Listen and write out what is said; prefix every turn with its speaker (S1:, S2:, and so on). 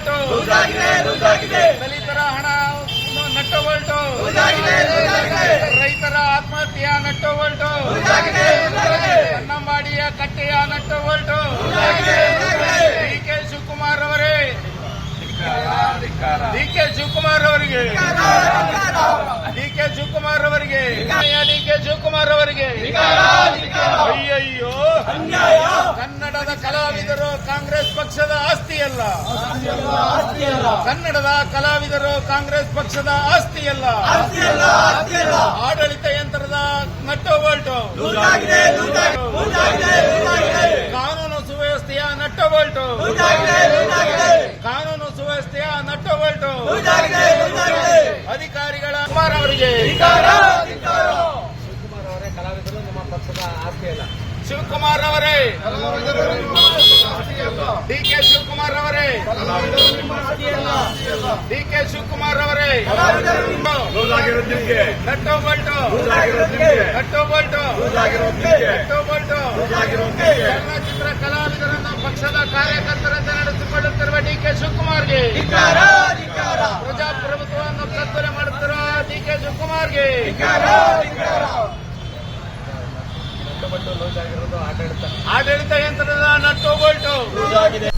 S1: Bolt, ದಲಿತರ ಹಣ nut Bolt, ರೈತರ ಆತ್ಮಹತ್ಯೆಯ ನಟ್ಟು ಬೋಲ್ಟು, ಕನ್ನಂಬಾಡಿಯ ಕಟ್ಟೆಯ ನಟ್ಟು ಬೋಲ್ಟು. ಡಿಕೆ ಶಿವಕುಮಾರ್ ಅವರೇ, ಡಿಕೆ ಶಿವಕುಮಾರ್ ಅವರಿಗೆ, ಡಿಕೆ ಶಿವಕುಮಾರ್ ಅವರಿಗೆ, ಡಿಕೆ ಶಿವಕುಮಾರ್ ಅವರಿಗೆ ಅಯ್ಯಯ್ಯೋ, ಕನ್ನಡದ ಕಲಾವಿದರು ಕಾಂಗ್ರೆಸ್ ಪಕ್ಷದ ಆಸ್ತಿಯಲ್ಲ, ಕನ್ನಡದ ಕಲಾವಿದರು ಕಾಂಗ್ರೆಸ್ ಪಕ್ಷದ ಆಸ್ತಿಯಲ್ಲ, ಆಡಳಿತ ಯಂತ್ರದ ನಟ್ಟು ಬೋಲ್ಟು, ಕಾನೂನು ಸುವ್ಯವಸ್ಥೆಯ ನಟ್ಟು ಬೋಲ್ಟು, ಕಾನೂನು ಸುವ್ಯವಸ್ಥೆಯ ನಟ್ಟು ಬೋಲ್ಟು. ಅಧಿಕಾರಿಗಳ ಕುಮಾರ್ ಅವರಿಗೆ, ಶಿವಕುಮಾರ್ ಅವರೇ ಕಲಾವಿದರು ನಮ್ಮ ಪಕ್ಷದ ಆಸ್ತಿಯಲ್ಲ, ಶಿವಕುಮಾರ್ ಅವರೇ, ಡಿಕೆ ಶಿವಕುಮಾರ್ ಅವರೇ, ಡಿಕೆ ಶಿವಕುಮಾರ್ ಅವರೇ nut bolt, nut bolt, nut bolt. ಚಲನಚಿತ್ರ ಕಲಾವಿದರನ್ನು ಪಕ್ಷದ ಕಾರ್ಯಕರ್ತರಂತೆ ನಡೆಸಿಕೊಳ್ಳುತ್ತಿರುವ ಡಿಕೆ ಶಿವಕುಮಾರ್ಗೆ, ಪ್ರಜಾಪ್ರಭುತ್ವವನ್ನು ಕತ್ತಲೆ ಮಾಡುತ್ತಿರುವ ಡಿಕೆ ಶಿವಕುಮಾರ್ಗೆ ಆಡಳಿತ ಯಂತ್ರದ ನಟ್ಟು ಬೋಲ್ಟು.